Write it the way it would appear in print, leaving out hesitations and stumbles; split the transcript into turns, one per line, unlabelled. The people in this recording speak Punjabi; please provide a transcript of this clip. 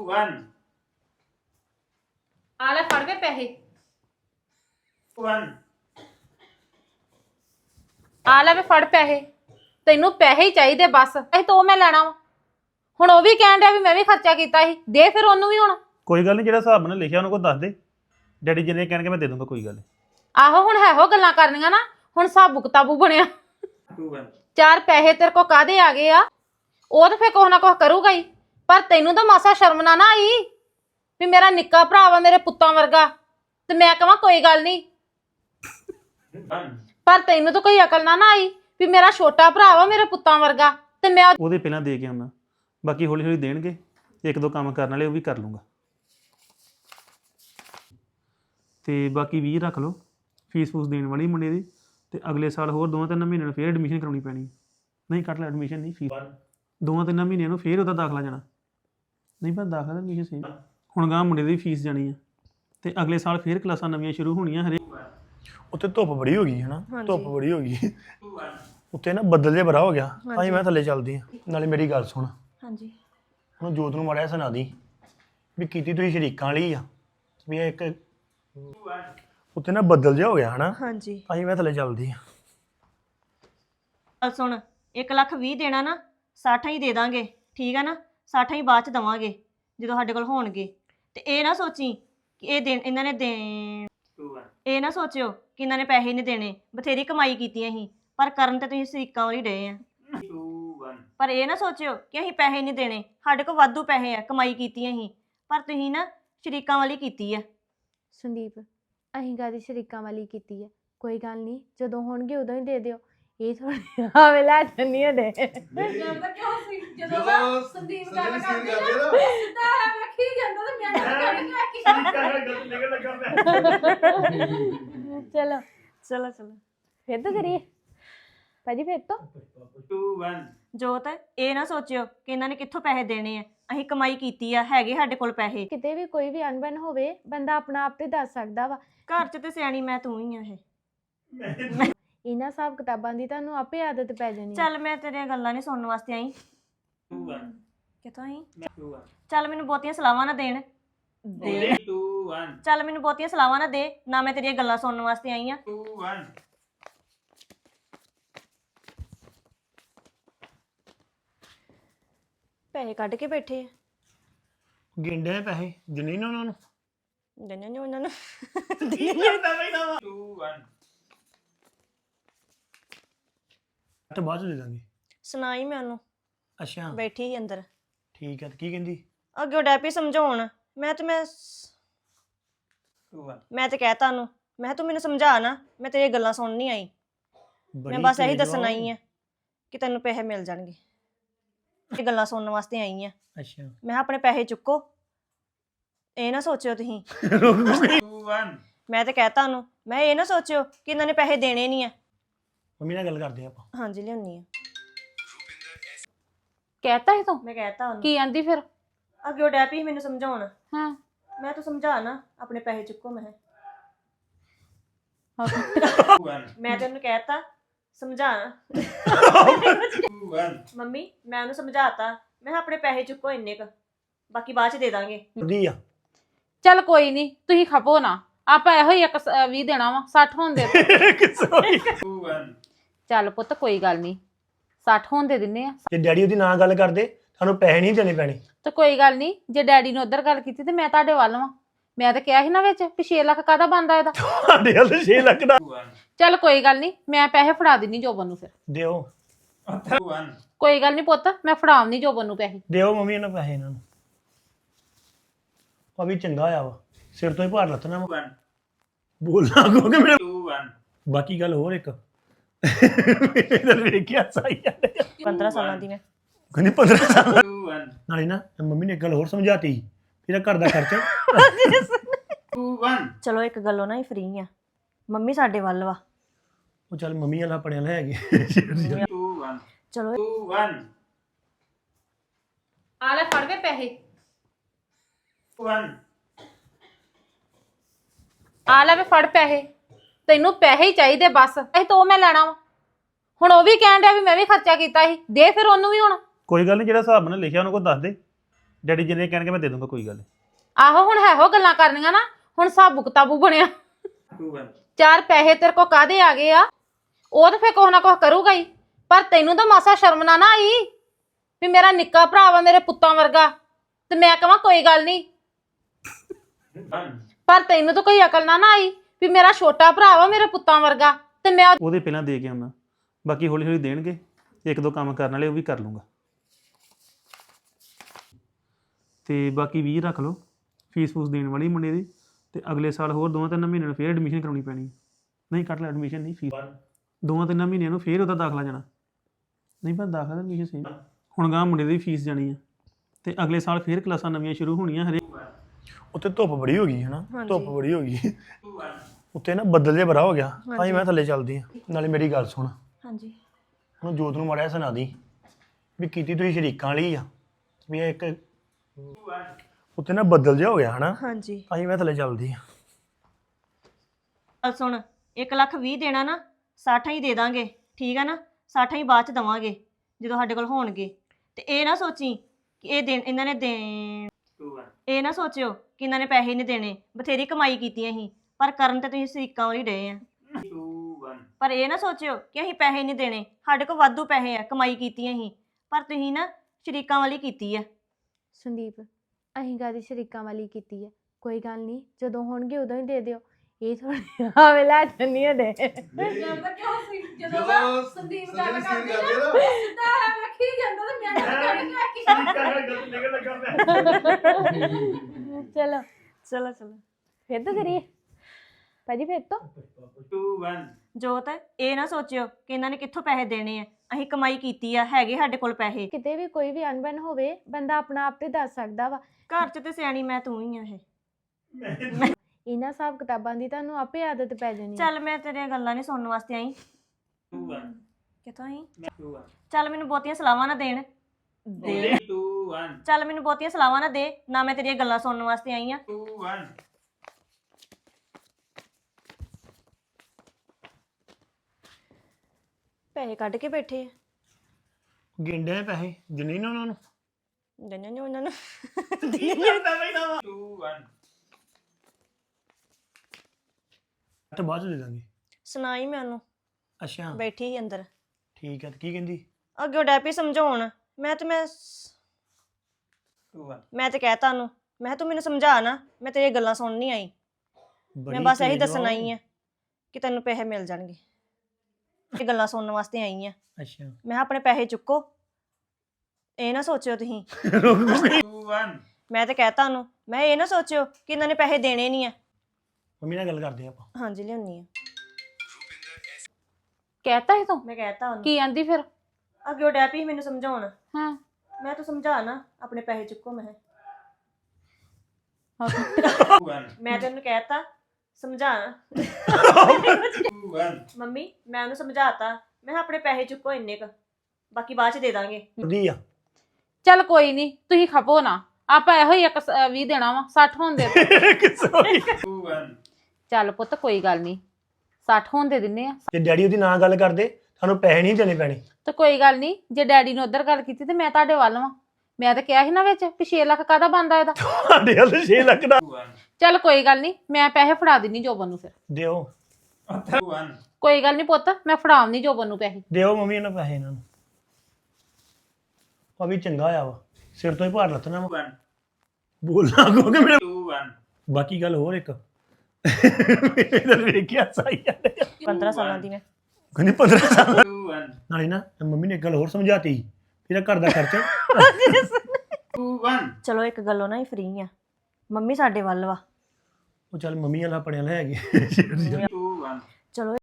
1
ਆ ਲੈ ਫੜ ਵੇ ਪੈਸੇ
1
ਆ ਲੈ ਵੇ ਫੜ ਪੈਸੇ ਤੈਨੂੰ ਪੈਸੇ ਹੀ ਚਾਹੀਦੇ ਬਸ ਇਹ ਤੋਂ ਮੈਂ ਲੈਣਾ ਵਾ ਹੁਣ ਉਹ ਵੀ ਕਹਿਣ ਡਿਆ ਵੀ ਮੈਂ ਵੀ ਖਰਚਾ ਕੀਤਾ ਸੀ ਦੇ ਫਿਰ ਉਹਨੂੰ ਵੀ ਹੁਣ
ਕੋਈ ਗੱਲ ਨਹੀਂ ਜਿਹੜਾ ਹਿਸਾਬ ਨਾਲ ਲਿਖਿਆ ਉਹਨੂੰ ਕੋ ਦੱਸ ਦੇ ਡੈਡੀ ਜਿੰਨੇ ਕਹਿਣਗੇ ਮੈਂ ਦੇ ਦੂੰਗਾ ਕੋਈ ਗੱਲ ਨਹੀਂ
ਆਹੋ ਹੁਣ ਇਹੋ ਗੱਲਾਂ ਕਰਨੀਆਂ ਨਾ ਹੁਣ ਸਾਬੂ ਕਿਤਾਬੂ ਬਣਿਆ
2 1
ਚਾਰ ਪੈਸੇ ਤੇਰੇ ਕੋ ਕਾਦੇ ਆ ਗਏ ਆ ਉਹ ਤਾਂ ਫੇ ਕੁਛ ਨਾ ਕੁਛ ਕਰੂਗਾ ਹੀ ਪਰ ਤੈਨੂੰ ਤਾਂ ਮਾਸਾ ਸ਼ਰਮ ਨਾ ਆਈ ਵੀ ਮੇਰਾ ਨਿੱਕਾ ਭਰਾ ਵਾ ਮੇਰੇ ਪੁੱਤਾਂ ਵਰਗਾ ਤੇ ਮੈਂ ਕਹਾਂ ਕੋਈ ਗੱਲ ਨਹੀਂ
1
ਪਰ ਤੈਨੂੰ ਤਾਂ ਕੋਈ ਅਕਲ ਨਾ ਆਈ ਵੀ ਮੇਰਾ ਛੋਟਾ ਭਰਾ ਵਾ ਮੇਰੇ ਪੁੱਤਾਂ ਵਰਗਾ ਤੇ ਮੈਂ
ਉਹਦੇ ਪਹਿਲਾਂ ਦੇ ਕੇ ਆਉਣਾ ਬਾਕੀ ਹੌਲੀ ਹੌਲੀ ਦੇਣਗੇ ਇੱਕ ਦੋ ਕੰਮ ਕਰਨ ਵਾਲੇ ਉਹ ਵੀ ਕਰ ਲੂੰਗਾ ਤੇ ਬਾਕੀ 20 ਰੱਖ ਲਓ ਫੀਸ ਫੂਸ ਦੇਣ ਵਾਲੀ ਮੁੰਡੇ ਦੀ ਤੇ ਅਗਲੇ ਸਾਲ ਹੋਰ 2-3 ਮਹੀਨਿਆਂ ਨੂੰ ਫੇਰ ਐਡਮਿਸ਼ਨ ਕਰਾਉਣੀ ਪੈਣੀ ਨਹੀਂ ਕੱਟ ਲੈ ਐਡਮਿਸ਼ਨ ਨਹੀਂ ਫੀਸ 2-3 ਮਹੀਨਿਆਂ ਨੂੰ ਫੇਰ ਉਹਦਾ ਦਾਖਲਾ ਜਾਣਾ ਨਹੀਂ ਪਰ ਦਾਖਲਾ ਤਾਂ ਐਡਮਿਸ਼ਨ ਸਹੀ ਹੁਣ ਗਾਂ ਮੁੰਡੇ ਦੀ ਫੀਸ ਜਾਣੀ ਆ ਤੇ ਅਗਲੇ ਸਾਲ ਫੇਰ ਕਲਾਸਾਂ ਨਵੀਆਂ ਸ਼ੁਰੂ ਹੋਣੀਆਂ ਹਰੇ
ਉੱਤੇ ਧੁੱਪ ਬੜੀ ਹੋ ਗਈ ਹੈ ਨਾ ਧੁੱਪ ਬੜੀ ਹੋ ਗਈ ਉੱਤੇ ਨਾ ਬੱਦਲ ਜਿਹਾ ਬੜਾ ਹੋ ਗਿਆ ਤਾਂ ਹੀ ਮੈਂ ਥੱਲੇ ਚੱਲਦੀ ਹਾਂ ਨਾਲੇ ਮੇਰੀ ਗੱਲ ਸੁਣ
ਹਾਂਜੀ
ਹੁਣ ਜੋਤ ਨੂੰ ਮਾੜਾ ਸੁਣਾ ਦੀ ਵੀ ਕੀਤੀ ਤੁਸੀਂ ਸ਼ਰੀਕਾਂ ਵਾਲੀ ਆ ਵੀ ਇਹ ਇੱਕ ਉੱਤੇ ਨਾ ਬੱਦਲ ਜਿਹਾ ਹੋ ਗਿਆ ਹਨਾ
ਹਾਂਜੀ
ਤਾਂ ਹੀ ਮੈਂ ਥੱਲੇ ਚੱਲਦੀ ਹਾਂ
ਗੱਲ ਸੁਣ 1,20,000 ਦੇਣਾ ਨਾ 60 ਹੀ ਦੇ ਦਾਂਗੇ ਠੀਕ ਆ ਨਾ 60 ਹੀ ਬਾਅਦ ਚ ਦਵਾਂਗੇ ਜਦੋਂ ਸਾਡੇ ਕੋਲ ਹੋਣਗੇ ਤੇ ਇਹ ਨਾ ਸੋਚੀ ਕਿ ਇਹ ਦੇਣ ਇਹਨਾਂ ਨੇ ਦੇਣ
2 1
ਇਹ ਨਾ ਸੋਚਿਓ ਕਿ ਇਹਨਾਂ ਨੇ ਪੈਸੇ ਨਹੀਂ ਦੇਣੇ ਬਥੇਰੀ ਕਮਾਈ ਕੀਤੀ ਅਸੀਂ ਪਰ ਕਰਨ ਤੇ ਤੁਸੀਂ ਸ਼ਰੀਕਾਂ ਵਾਲੀ ਰਹੇ ਆ
2 1
ਪਰ ਇਹ ਨਾ ਸੋਚਿਓ ਕਿ ਅਸੀਂ ਪੈਸੇ ਨਹੀਂ ਦੇਣੇ ਸਾਡੇ ਕੋਲ ਵਾਧੂ ਪੈਸੇ ਆ ਕਮਾਈ ਕੀਤੀ ਅਸੀਂ ਪਰ ਤੁਸੀਂ ਨਾ ਸ਼ਰੀਕਾਂ ਵਾਲੀ ਕੀਤੀ ਆ
ਸੰਦੀਪ ਅਸੀਂ ਕਾਹਦੀ ਸ਼ਰੀਕਾਂ ਵਾਲੀ ਕੀਤੀ ਹੈ ਕੋਈ ਗੱਲ ਨਹੀਂ ਜਦੋਂ ਹੋਣਗੇ ਉਦੋਂ ਹੀ ਦੇ ਦਿਓ ਇਹ ਥੋੜੀ ਆਵੇ ਲੈ ਜੰਨੀਆਂ ਦੇ
ਜਾਂਦਾ ਕਿਉਂ ਸੀ ਜਦੋਂ ਨਾ ਸੰਦੀਪ ਗੱਲ ਕਰਦੀ ਨਾ ਸਿੱਧਾ ਰੱਖੀ ਜਾਂਦਾ ਤੇ ਮੈਂ
ਚਲੋ
ਚਲੋ ਚਲੋ
ਫਿਰ ਤੋਂ ਕਰੀਏ ਭਾਜੀ ਫਿਰ ਤੋਂ
2 1
ਜੋਤ ਇਹ ਨਾ ਸੋਚਿਓ ਕਿ ਇਹਨਾਂ ਨੇ ਕਿੱਥੋਂ ਪੈਸੇ ਦੇਣੇ ਆ ਅਸੀਂ ਕਮਾਈ ਕੀਤੀ ਆ ਹੈਗੇ ਸਾਡੇ ਕੋਲ ਪੈਸੇ
ਕਿਤੇ ਵੀ ਕੋਈ ਵੀ ਅਣਬਣ ਹੋਵੇ ਬੰਦਾ ਆਪਣਾ ਆਪ ਤੇ ਦੱਸ ਸਕਦਾ ਵਾ
ਘਰ 'ਚ ਤੇ ਸਿਆਣੀ ਮੈਂ ਤੂੰ ਹੀ ਆ ਇਹ
ਇਹਨਾਂ ਸਭ ਕਿਤਾਬਾਂ ਦੀ ਤੁਹਾਨੂੰ ਆਪੇ ਆਦਤ ਪੈ ਜਾਣੀ ਹੈ।
ਚੱਲ ਮੈਂ ਤੇਰੀਆਂ ਗੱਲਾਂ ਨਹੀਂ ਸੁਣਨ ਵਾਸਤੇ ਆਈ
2 1
ਕਿਤੋਂ ਆਈ
2 1
ਚੱਲ ਮੈਨੂੰ ਬਹੁਤੀਆਂ ਸਲਾਹਾਂ ਨਾ ਦੇਣ
2 1
ਚੱਲ ਮੈਨੂੰ ਬਹੁਤੀਆਂ ਸਲਾਹਾਂ ਨਾ ਦੇ ਨਾ ਮੈਂ ਤੇਰੀਆਂ ਗੱਲਾਂ ਸੁਣਨ ਵਾਸਤੇ ਆਈ ਆ
2 1
ਪੈਸੇ ਕੱਢ ਕੇ ਬੈਠੇ ਆ
ਗਿੰਡੇ ਪੈਸੇ ਜਿੰਨੇ ਨੇ ਉਹਨਾਂ ਨੂੰ
ਦਿੰਨੇ ਨਹੀਂ ਉਹਨਾਂ ਨੂੰ
2 1
ਤੇ ਬਾਅਦ ਚ ਦੇ ਦਾਂਗੇ
ਸੁਣਾਈ ਮੈਂ ਉਹਨੂੰ
ਅੱਛਾ
ਬੈਠੀ ਸੀ ਅੰਦਰ
ਠੀਕ ਹੈ ਤੇ ਕੀ ਕਹਿੰਦੀ
ਅੱਗੇ ਡੈਪੀ ਸਮਝਾਉਣ ਮੈਂ
2 1
ਤੇ ਕਹਿਤਾ ਉਹਨੂੰ ਮੈਂ ਕਿਹਾ ਤੂੰ ਮੈਨੂੰ ਸਮਝਾ ਨਾ ਮੈਂ ਤੇਰੀਆਂ ਗੱਲਾਂ ਸੁਣਨ ਨਹੀਂ ਆਈ ਮੈਂ ਬਸ ਇਹੀ ਦੱਸਣ ਆਈ ਆ ਕਿ ਤੈਨੂੰ ਪੈਸੇ ਮਿਲ ਜਾਣਗੇ ਇਹ ਗੱਲਾਂ ਸੁਣਨ ਵਾਸਤੇ ਆਈ ਆ
ਅੱਛਾ
ਮੈਂ ਕਿਹਾ ਆਪਣੇ ਪੈਸੇ ਚੁੱਕੋ ਇਹ ਨਾ ਸੋਚਿਓ ਤੁਸੀਂ
2 1
ਮੈਂ ਤੇ ਕਹਿਤਾ ਉਹਨੂੰ ਮੈਂ ਇਹ ਨਾ ਸੋਚਿਓ ਕਿ ਇਹਨਾਂ ਨੇ ਪੈਸੇ ਦੇਣੇ ਨਹੀਂ ਆ
ਮੰਮੀ ਨਾਲ ਗੱਲ ਕਰਦੇ ਆਪਾਂ
ਹਾਂਜੀ ਲਿਆਉਣੀ ਆ
ਕਹਿਤਾ ਸੀ ਤੂੰ
ਮੈਂ ਕਹਿਤਾ ਉਹਨੂੰ
ਕੀ ਆਂਦੀ ਫਿਰ
ਅੱਗੇ ਉਹ ਡੈਪੀ ਮੈਨੂੰ ਸਮਝਾਉਣ
ਹਾਂ
ਮੈਂ ਤੂੰ ਸਮਝਾ ਨਾ ਆਪਣੇ ਪੈਸੇ ਚੁੱਕੋ ਮੈਂ ਕਿਹਾ।
2 1
ਮੈਂ ਤੇ ਉਹਨੂੰ ਕਹਿਤਾ ਸਮਝਾ
2 1
ਮੰਮੀ ਮੈਂ ਉਹਨੂੰ ਸਮਝਾਤਾ ਮੈਂ ਕਿਹਾ ਆਪਣੇ ਪੈਸੇ ਚੁੱਕੋ ਇੰਨੇ ਕ ਬਾਕੀ ਬਾਅਦ ਚ ਦੇ ਦਾਂਗੇ
ਦੀ ਆ
ਚੱਲ ਕੋਈ ਨਹੀਂ ਤੁਸੀਂ ਖਪੋ ਨਾ ਆਪਾਂ ਇਹੋ ਹੀ 20 ਦੇਣਾ ਵਾ 60 ਹੋਣ ਦੇ
2 1
ਚੱਲ ਪੁੱਤ ਕੋਈ ਗੱਲ ਨਹੀਂ 60 ਹੋਣ ਦੇ ਦਿੰਨੇ ਆ
ਜੇ ਡੈਡੀ ਉਹਦੀ ਨਾਲ ਗੱਲ ਕਰਦੇ ਤੁਹਾਨੂੰ ਪੈਸੇ ਨਹੀਂ ਦੇਣੇ ਪੈਣੇ
ਤੇ ਕੋਈ ਗੱਲ ਨਹੀਂ ਜੇ ਡੈਡੀ ਨੇ ਉਧਰ ਗੱਲ ਕੀਤੀ ਤੇ ਮੈਂ ਤੁਹਾਡੇ ਵੱਲ ਵਾਂ ਮੈਂ ਤਾਂ ਕਿਹਾ ਸੀ ਨਾ ਵਿੱਚ ਵੀ 6 ਲੱਖ ਕਾਹਦਾ ਬਣਦਾ ਇਹਦਾ
ਤੁਹਾਡੇ ਹੱਲ 6 ਲੱਖ ਦਾ
2 1
ਚੱਲ ਕੋਈ ਗੱਲ ਨਹੀਂ ਮੈਂ ਪੈਸੇ ਫੜਾ ਦਿੰਨੀ ਜੋਬਨ ਨੂੰ ਫਿਰ
ਦਿਓ
2 1
ਕੋਈ ਗੱਲ ਨਹੀਂ ਪੁੱਤ ਮੈਂ ਫੜਾਉਣੀ ਜੋਬਨ ਨੂੰ ਪੈਸੇ
ਦਿਓ ਮੰਮੀ ਇਹਨਾਂ ਪੈਸੇ ਇਹਨਾਂ ਨੂੰ ਆ ਵੀ ਚੰਗਾ ਆ ਵਾ ਸਿਰ ਤੋਂ ਹੀ ਭਾਰ ਲੱਥਣਾ ਵਾ
1
ਬੋਲਣਾ ਕਿਉਂਕਿ ਮੇਰੇ
2 1
ਬਾਕੀ ਗੱਲ ਹੋਰ ਇੱਕ ਇਧਰ ਵੇਖਿਆ ਸਹੀ ਜਾਂਦੇ
15 ਸਾਲਾਂ ਦੀ ਮੈਂ
ਕਹਿੰਦੀ 15 ਸਾਲ
2 1
ਨਾਲੇ ਨਾ ਮੰਮੀ ਨੇ ਇੱਕ ਗੱਲ ਹੋਰ ਸਮਝਾਤੀ ਤੇਰਾ ਘਰ ਦਾ ਖਰਚਾ
2 1
ਚਲੋ ਇੱਕ ਗੱਲੋਂ ਨਾ ਹੀ ਫਰੀ ਆ ਮੰਮੀ ਸਾਡੇ ਵੱਲ ਵਾ
ਉਹ ਚੱਲ ਮੰਮੀ ਵਾਲਾ ਪੜਿਆ ਲੈ ਹੈਗੇ
2 1
ਚਲੋ
2 1
ਆ ਲੈ ਫੜ ਵੇ ਪੈਸੇ
1
ਆ ਲੈ ਵੇ ਫੜ ਪੈਸੇ ਤੈਨੂੰ ਪੈਸੇ ਹੀ ਚਾਹੀਦੇ ਬਸ ਇਹ ਤੋਂ ਮੈਂ ਲੈਣਾ ਵਾ ਹੁਣ ਉਹ ਵੀ ਕਹਿਣ ਡਿਆ ਵੀ ਮੈਂ ਵੀ ਖਰਚਾ ਕੀਤਾ ਸੀ ਦੇ ਫਿਰ ਉਹਨੂੰ ਵੀ ਹੁਣ
ਕੋਈ ਗੱਲ ਨਹੀਂ ਜਿਹੜਾ ਹਿਸਾਬ ਨਾਲ ਲਿਖਿਆ ਉਹਨੂੰ ਕੋ ਦੱਸ ਦੇ ਡੈਡੀ ਜਿੰਨੇ ਕਹਿਣਗੇ ਮੈਂ ਦੇ ਦੂੰਗਾ ਕੋਈ ਗੱਲ ਨਹੀਂ।
ਆਹੋ ਹੁਣ ਹੈਹੋ ਗੱਲਾਂ ਕਰਨੀਆਂ ਨਾ, ਹੁਣ ਸਾਬੂ ਕਿਤਾਬੂ ਬਣਿਆ।
2 1
ਚਾਰ ਪੈਸੇ ਤੇਰੇ ਕੋ ਕਾਦੇ ਆ ਗਏ ਆ, ਉਹ ਤਾਂ ਫੇਰ ਕੁਛ ਨਾ ਕੁਛ ਕਰੂਗਾ ਹੀ। ਪਰ ਤੈਨੂੰ ਤਾਂ ਮਾਸਾ ਸ਼ਰਮ ਨਾ ਆਈ ਵੀ ਮੇਰਾ ਨਿੱਕਾ ਭਰਾ ਵਾ ਮੇਰੇ ਪੁੱਤਾਂ ਵਰਗਾ, ਤੇ ਮੈਂ ਕਹਾਂ ਕੋਈ ਗੱਲ ਨਹੀਂ।
1
ਪਰ ਤੈਨੂੰ ਤਾਂ ਕੋਈ ਅਕਲ ਨਾ ਆਈ ਵੀ ਮੇਰਾ ਛੋਟਾ ਭਰਾ ਵਾ ਮੇਰੇ ਪੁੱਤਾਂ ਵਰਗਾ, ਤੇ ਮੈਂ
ਉਹਦੇ ਪਹਿਲਾਂ ਦੇ ਕੇ ਆਉਣਾ, ਬਾਕੀ ਹੌਲੀ ਹੌਲੀ ਦੇਣਗੇ। ਇੱਕ ਦੋ ਕੰਮ ਕਰਨ ਵਾਲੇ ਉਹ ਵੀ ਕਰ ਲੂੰਗਾ। ਤੇ ਬਾਕੀ 20 ਰੱਖ ਲਓ, ਫੀਸ ਫੂਸ ਦੇਣ ਵਾਲੀ ਮੁੰਡੇ ਦੀ। ਤੇ ਅਗਲੇ ਸਾਲ ਹੋਰ 2-3 ਮਹੀਨਿਆਂ ਨੂੰ ਫੇਰ ਐਡਮਿਸ਼ਨ ਕਰਾਉਣੀ ਪੈਣੀ। ਨਹੀਂ ਕੱਟ ਲੈ ਐਡਮਿਸ਼ਨ ਨਹੀਂ, ਫੀਸ 2-3 ਮਹੀਨਿਆਂ ਨੂੰ ਫੇਰ ਉਹਦਾ ਦਾਖਲਾ ਜਾਣਾ। ਨਹੀਂ ਪਰ ਦਾਖਲਾ ਤਾਂ ਐਡਮਿਸ਼ਨ ਸਹੀ। ਹੁਣ ਗਾਂ ਮੁੰਡੇ ਦੀ ਫੀਸ ਜਾਣੀ ਆ, ਤੇ ਅਗਲੇ ਸਾਲ ਫੇਰ ਕਲਾਸਾਂ ਨਵੀਆਂ ਸ਼ੁਰੂ ਹੋਣੀਆਂ। ਹਰੇ
ਉੱਤੇ ਧੁੱਪ ਬੜੀ ਹੋ ਗਈ ਹੈ ਨਾ, ਧੁੱਪ ਬੜੀ ਹੋ ਗਈ
2 1
ਉੱਤੇ ਨਾ ਬੱਦਲ ਜਿਹਾ ਬੜਾ ਹੋ ਗਿਆ, ਤਾਂ ਹੀ ਮੈਂ ਥੱਲੇ ਚੱਲਦੀ ਹਾਂ। ਨਾਲੇ ਮੇਰੀ ਗੱਲ ਸੁਣ,
ਹਾਂਜੀ
ਹੁਣ ਜੋਤ ਨੂੰ ਮਾੜਿਆ ਸੁਣਾ ਦੀ ਵੀ ਕੀਤੀ ਤੁਸੀਂ ਸ਼ਰੀਕਾਂ ਵਾਲੀ ਆ, ਵੀ ਇਹ ਇੱਕ
2 1
ਉੱਤੇ ਨਾ ਬੱਦਲ ਜਿਹਾ ਹੋ ਗਿਆ ਹਨਾ,
ਹਾਂਜੀ
ਤਾਂ ਹੀ ਮੈਂ ਥੱਲੇ ਚੱਲਦੀ ਹਾਂ।
ਗੱਲ ਸੁਣ 1,20,000 ਦੇਣਾ ਨਾ 60 ਹੀ ਦੇ ਦਾਂਗੇ, ਠੀਕ ਆ ਨਾ। 60 ਹੀ ਬਾਅਦ ਚ ਦਵਾਂਗੇ ਜਦੋਂ ਸਾਡੇ ਕੋਲ ਹੋਣਗੇ। ਤੇ ਇਹ ਨਾ ਸੋਚੀ ਕਿ ਇਹ ਦੇਣ ਇਹਨਾਂ ਨੇ ਦੇਣ,
2 1
ਇਹ ਨਾ ਸੋਚਿਓ ਕਿ ਇਹਨਾਂ ਨੇ ਪੈਸੇ ਨਹੀਂ ਦੇਣੇ। ਬਥੇਰੀ ਕਮਾਈ ਕੀਤੀ ਅਸੀਂ, ਪਰ ਕਰਨ ਤੇ ਤੁਸੀਂ ਸ਼ਰੀਕਾਂ ਵਾਲੀ ਡਏ ਆ।
2 1
ਪਰ ਇਹ ਨਾ ਸੋਚਿਓ ਕਿ ਅਸੀਂ ਪੈਸੇ ਨਹੀਂ ਦੇਣੇ, ਸਾਡੇ ਕੋਲ ਵਾਧੂ ਪੈਸੇ ਆ, ਕਮਾਈ ਕੀਤੀ ਅਸੀਂ, ਪਰ ਤੁਸੀਂ ਨਾ ਸ਼ਰੀਕਾਂ ਵਾਲੀ ਕੀਤੀ ਆ।
ਸੰਦੀਪ ਅਸੀਂ ਕਾਹਦੀ ਸ਼ਰੀਕਾਂ ਵਾਲੀ ਕੀਤੀ ਹੈ, ਕੋਈ ਗੱਲ ਨਹੀਂ, ਜਦੋਂ ਹੋਣਗੇ ਉਦੋਂ ਹੀ ਦੇ ਦਿਓ। ਇਹ ਥੋੜੀ ਆਵੇ ਲੈ ਜੰਨੀਆਂ ਦੇ ਚਲੋ
ਚਲੋ ਚਲੋ
ਫਿਰ ਤੋਂ ਕਰੀਏ ਭਾਜੀ, ਫਿਰ ਤੋਂ
2 1
ਜੋਤ ਇਹ ਨਾ ਸੋਚਿਓ ਕਿ ਇਹਨਾਂ ਨੇ ਕਿੱਥੋਂ ਪੈਸੇ ਦੇਣੇ ਆ। ਅਸੀਂ ਕਮਾਈ ਕੀਤੀ ਆ, ਹੈਗੇ ਸਾਡੇ ਕੋਲ ਪੈਸੇ।
ਕਿਤੇ ਵੀ ਕੋਈ ਵੀ ਅਣਬਣ ਹੋਵੇ ਬੰਦਾ ਆਪਣਾ ਆਪ ਤੇ ਦੱਸ ਸਕਦਾ ਵਾ।
ਘਰ 'ਚ ਤੇ ਸਿਆਣੀ ਮੈਂ ਤੂੰ ਹੀ ਆ। ਇਹ
ਇਹਨਾਂ ਹਿਸਾਬ ਕਿਤਾਬਾਂ ਦੀ ਤੁਹਾਨੂੰ ਆਪੇ ਆਦਤ ਪੈ ਜਾਣੀ ਹੈ।
ਚੱਲ ਮੈਂ ਤੇਰੀਆਂ ਗੱਲਾਂ ਨਹੀਂ ਸੁਣਨ ਵਾਸਤੇ ਆਈ।
2 1
ਕਿੱਥੋਂ ਆਈ?
2 1
ਚੱਲ ਮੈਨੂੰ ਬਹੁਤੀਆਂ ਸਲਾਹਾਂ ਨਾ ਦੇਣ ਦੇ।
2 1
ਚੱਲ ਮੈਨੂੰ ਬਹੁਤੀਆਂ ਸਲਾਹਾਂ ਨਾ ਦੇ, ਨਾ ਮੈਂ ਤੇਰੀਆਂ ਗੱਲਾਂ ਸੁਣਨ ਵਾਸਤੇ ਆਈ ਆ।
2 1
ਪੈਸੇ ਕੱਢ ਕੇ ਬੈਠੇ ਆ,
ਗਿੰਡੇ ਪੈਸੇ ਜਿੰਨੇ ਨੇ ਉਹਨਾਂ ਨੂੰ
ਦਿੰਨੇ ਨੀ ਉਹਨਾਂ ਨੂੰ।
2 1
ਤੇ ਬਾਅਦ ਚ ਦੇ ਦਾਂਗੇ।
ਸੁਣਾਈ ਮੈਂ ਉਹਨੂੰ,
ਅੱਛਾ
ਬੈਠੀ ਸੀ ਅੰਦਰ।
ਠੀਕ ਹੈ, ਤੇ ਕੀ ਕਹਿੰਦੀ?
ਅੱਗੇ ਡੈਪੀ ਸਮਝਾਉਣ, ਮੈਂ
2 1
ਤੇ ਕਹਿਤਾ ਉਹਨੂੰ, ਮੈਂ ਕਿਹਾ ਤੂੰ ਮੈਨੂੰ ਸਮਝਾ ਨਾ, ਮੈਂ ਤੇਰੀਆਂ ਗੱਲਾਂ ਸੁਣਨ ਨਹੀਂ ਆਈ। ਮੈਂ ਬਸ ਇਹੀ ਦੱਸਣ ਆਈ ਆ ਕਿ ਤੈਨੂੰ ਪੈਸੇ ਮਿਲ ਜਾਣਗੇ। ਇਹ ਗੱਲਾਂ ਸੁਣਨ ਵਾਸਤੇ ਆਈ ਆ।
ਅੱਛਾ
ਮੈਂ ਕਿਹਾ ਆਪਣੇ ਪੈਸੇ ਚੁੱਕੋ, ਇਹ ਨਾ ਸੋਚਿਓ ਤੁਸੀਂ।
2 1
ਮੈਂ ਤੇ ਕਹਿਤਾ ਉਹਨੂੰ, ਮੈਂ ਇਹ ਨਾ ਸੋਚਿਓ ਕਿ ਇਹਨਾਂ ਨੇ ਪੈਸੇ ਦੇਣੇ ਨਹੀਂ ਆ।
ਮੰਮੀ ਨਾਲ ਗੱਲ ਕਰਦੇ ਆਪਾਂ।
ਹਾਂਜੀ ਲਿਆਉਣੀ ਆ।
ਕਹਿਤਾ ਸੀ ਤੂੰ?
ਮੈਂ ਕਹਿਤਾ ਉਹਨੂੰ,
ਕੀ ਆਂਦੀ ਫਿਰ?
ਅੱਗੇ ਡੈਪੀ ਮੈਨੂੰ ਸਮਝਾਉਣ,
ਹਾਂ
ਮੈਂ ਤੂੰ ਸਮਝਾ ਨਾ, ਆਪਣੇ ਪੈਸੇ ਚੁੱਕੋ। ਮੈਂ
2 1
ਮੈਂ ਤੇ ਉਹਨੂੰ ਕਹਿਤਾ ਸਮਝਾ।
2 1
ਮੰਮੀ ਮੈਂ ਉਹਨੂੰ ਸਮਝਾਤਾ, ਮੈਂ ਕਿਹਾ ਆਪਣੇ ਪੈਸੇ ਚੁੱਕੋ ਇੰਨੇ ਕ, ਬਾਕੀ ਬਾਅਦ ਚ ਦੇ ਦਾਂਗੇ।
ਵਧੀਆ
ਚੱਲ ਕੋਈ ਨਹੀਂ, ਤੁਸੀਂ ਖਪੋ ਨਾ, ਆਪਾਂ ਇਹੋ ਹੀ 120 ਦੇਣਾ ਵਾ, 60 ਹੋਣ ਦੇ।
2 1
ਚੱਲ ਪੁੱਤ ਕੋਈ ਗੱਲ ਨਹੀਂ, 60 ਹੋਣ ਦੇ ਦਿੰਨੇ ਆ।
ਜੇ ਡੈਡੀ ਉਹਦੀ ਨਾਲ ਗੱਲ ਕਰਦੇ ਤੁਹਾਨੂੰ ਪੈਸੇ ਨਹੀਂ ਦੇਣੇ ਪੈਣੇ।
ਤੇ ਕੋਈ ਗੱਲ ਨਹੀਂ, ਜੇ ਡੈਡੀ ਨੇ ਉਧਰ ਗੱਲ ਕੀਤੀ ਤੇ ਮੈਂ ਤੁਹਾਡੇ ਵੱਲ ਵਾਂ। ਮੈਂ ਤਾਂ ਕਿਹਾ ਸੀ ਨਾ ਵਿੱਚ ਕਿ 6 ਲੱਖ ਕਾਹਦਾ ਬਣਦਾ ਇਹਦਾ।
ਤੁਹਾਡੇ ਹੱਲ 6 ਲੱਖ ਦਾ
2 1
ਚੱਲ ਕੋਈ ਗੱਲ ਨਹੀਂ, ਮੈਂ ਪੈਸੇ ਫੜਾ ਦਿੰਨੀ ਜੋਬਨ ਨੂੰ। ਫਿਰ
ਦਿਓ
2 1
ਕੋਈ ਗੱਲ ਨਹੀਂ ਪੁੱਤ, ਮੈਂ ਫੜਾਉਣੀ ਜੋਬਨ ਨੂੰ ਪੈਸੇ।
ਦਿਓ ਮੰਮੀ ਇਹਨਾਂ ਪੈਸੇ ਇਹਨਾਂ ਨੂੰ। ਆ ਵੀ ਚੰਗਾ ਹੋਇਆ ਵਾ, ਸਿਰ ਤੋਂ ਹੀ ਭਾਰ ਲੱਥਣਾ ਵਾ।
2 1
ਬੋਲਣਾ ਕਿਉਂਕਿ ਮੇਰਾ
2 1
ਬਾਕੀ ਗੱਲ ਹੋਰ ਇੱਕ ਇਧਰ ਵੇਖਿਆ ਸਹੀ ਆ
15 ਸਾਲਾਂ ਦੀ ਮੈਂ।
ਕਹਿੰਦੀ 15 ਸਾਲ
2 1
ਨਾਲੇ ਨਾ ਮੰਮੀ ਨੇ ਇੱਕ ਗੱਲ ਹੋਰ ਸਮਝਾਤੀ, ਤੇਰਾ ਘਰ ਦਾ ਖਰਚਾ
2 1
ਚਲੋ ਇੱਕ ਗੱਲੋਂ ਨਾ ਹੀ ਫਰੀ ਆ, ਮੰਮੀ ਸਾਡੇ ਵੱਲ ਵਾ।
ਉਹ ਚੱਲ ਮੰਮੀ ਵਾਲਾ ਆਪਣੇ ਵਾਲਾ ਹੈਗੇ
2 1
ਚਲੋ